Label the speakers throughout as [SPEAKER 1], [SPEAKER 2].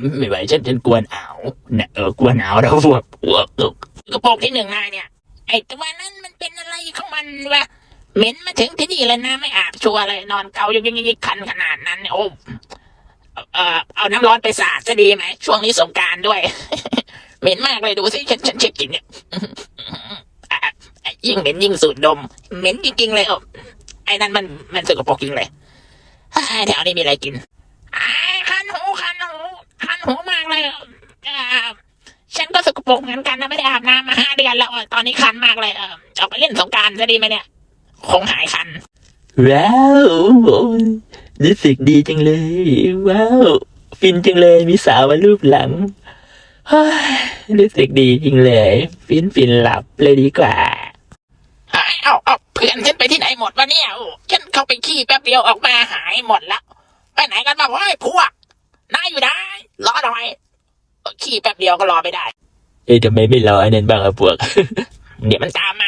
[SPEAKER 1] ไม่ไหวฉันกลัวหนาวเนี่ยกลัวหนาวแล้วพวกกระโปรงที่หนึ่งนายเนี่ยไอ้ตัวนั้นมันเป็นอะไรของมันวะเหม็นมาถึงที่นี่เลยนะไม่อาบชัวร์เลยนอนเกาอยู่ยิกคันขนาดนั้นโอ้เอาน้ำร้อนไปสาดจะดีไหมช่วงนี้สงกรานต์ด้วย เหม็นมากเลยดูสิฉันเช็คกลิ่นเนี่ยยิ่งเหม็นยิ่งสูดดมเหม็นจริงๆเลยไอ้นั่นมันสกปรกจริงเลยแถวนี้มีอะไรกินคันหูมากเลยฉันก็สกปรกเหมือนกันนะไม่ได้อาบน้ำมา5 เดือนแล้วตอนนี้คันมากเลยออกไปเล่นสงกรานต์จะดีไหมเนี่ยคงหายคัน
[SPEAKER 2] ว้าวรู้สึกดีจังเลยว้าวฟินจังเลยมีสาวมารูปหลังรู้สึกดีจริงเลยฟินหลับเลยดีกว่า
[SPEAKER 1] เอาเพื่อนฉันไปที่ไหนหมดวะเนี่ยฉันเข้าไปขี้แป๊บเดียวออกมาหายหมดแล้วไปไหนกันบ้างพวกนายอยู่ได้รอหน่อยขี้แป๊บเดียวก็รอไม่ได้
[SPEAKER 2] ทำไมไม่รอไอ้นั่นบ้างอะพวก
[SPEAKER 1] เดี๋ยวมันตามมา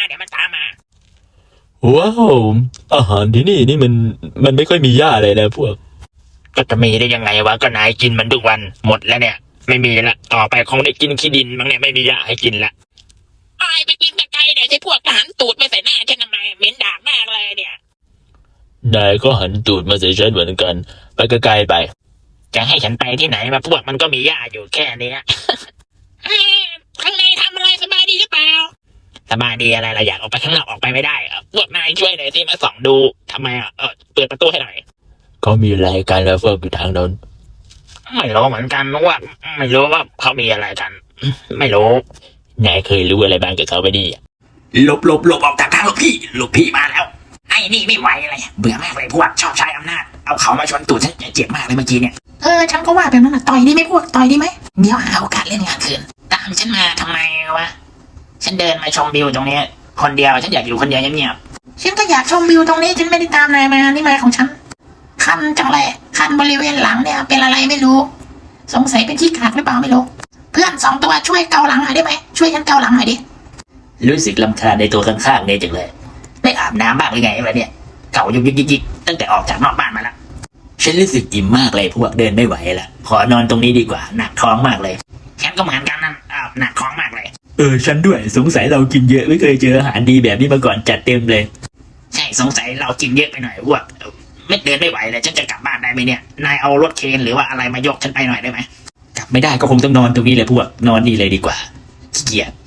[SPEAKER 2] ว้าวอาหารที่นี่มันไม่ค่อยมีหญ้าเลยนะพวก
[SPEAKER 1] ก็จะมีได้ยังไงวะก็นายกินมันทุกวันหมดแล้วเนี่ยไม่มีละต่อไปคงได้กินขี้ดินมั้งเนี่ยไม่มีหญ้าให้กินละไปกินไกลๆเนี่ยไอ้พวกทหารตูดไปใส่หน้าฉันทำไมเหม็นดากมากเลยเนี่ย
[SPEAKER 2] นายก็หันตูดมาใส่ฉันเหมือนกันไปไกลๆไป
[SPEAKER 1] จะให้ฉันไปที่ไหนมาพวกมันก็มีหญ้าอยู่แค่นี้ข้างในทำอะไรสบายดีหรือเปล่าสบายดีอะไรเราอยากออกไปข้างนอกออกไปไม่ได้พวกนายช่วยหน่อยสิมาส่องดูทำไมเปิดประตูให้หน่อย
[SPEAKER 2] เขามีรายการแล้วพวกอยู่ทางโน้น
[SPEAKER 1] ไม่รู้เหมือนกันว่าไม่รู้ว่าเขามีอะไรกันไม่รู้
[SPEAKER 2] นายเคยรู้อะไรบ้างกับเขาไปดิ
[SPEAKER 1] หลบออกจากทางลูกพี่มาแล้วไอ้นี่ไม่ไหวเลยเบื่อมากเลยพวกชอบใช้อำนาจเอาเขามาชนตูดฉันเจ็บมากเลยเมื่อกี้เนี่ยฉันก็ว่าแบบนั้นต่อยดีไหมพวกต่อยดีไหมเดี๋ยวหาโอกาสเล่นงานคืนตามฉันมาทำไมวะฉันเดินมาชมวิวตรงนี้คนเดียวฉันอยากอยู่คนเดียวเงียบๆฉันก็อยากชมวิวตรงนี้ฉันไม่ได้ตามนายมานี่มาของฉันคันจังเลยคันบริเวณหลังเนี่ยเป็นอะไรไม่รู้สงสัยเป็นขี้กากหรือเปล่าไม่รู้เพื่อน2 ตัวช่วยเกาหลังหน่อยได้ไหมช่วยฉันเกาหลังหน่อยดิ
[SPEAKER 2] รู้สึกรำคาญในตัวข้างๆเนี่ยจังเลย
[SPEAKER 1] ได้อาบน้ำบ้างหรือไงวะเนี่ยเก่ายุกยิกตั้งแต่ออกจากนอกบ้านมาแล้ว
[SPEAKER 2] ฉันรู้สึกอิ่มมากเลยพวกเดินไม่ไหวละขอนอนตรงนี้ดีกว่าหนักท้องมากเลย
[SPEAKER 1] ฉันก็เหมือนกันนั่นหนักท้องมากเลย
[SPEAKER 2] ฉันด้วยสงสัยเรากินเยอะไม่เคยเจออาหารดีแบบนี้มาก่อนจัดเต็มเลย
[SPEAKER 1] ใช่สงสัยเรากินเยอะไปหน่อยพวกไม่เดินไม่ไหวเลยฉันจะกลับบ้านได้ไหมเนี่ยนายเอารถเคนหรือว่าอะไรมายกฉันไปหน่อยได้ไหม
[SPEAKER 2] กลับไม่ได้ก็คงต้องนอนตรงนี้เลยพวกนอนนี่เลยดีกว่าขี้เกียจ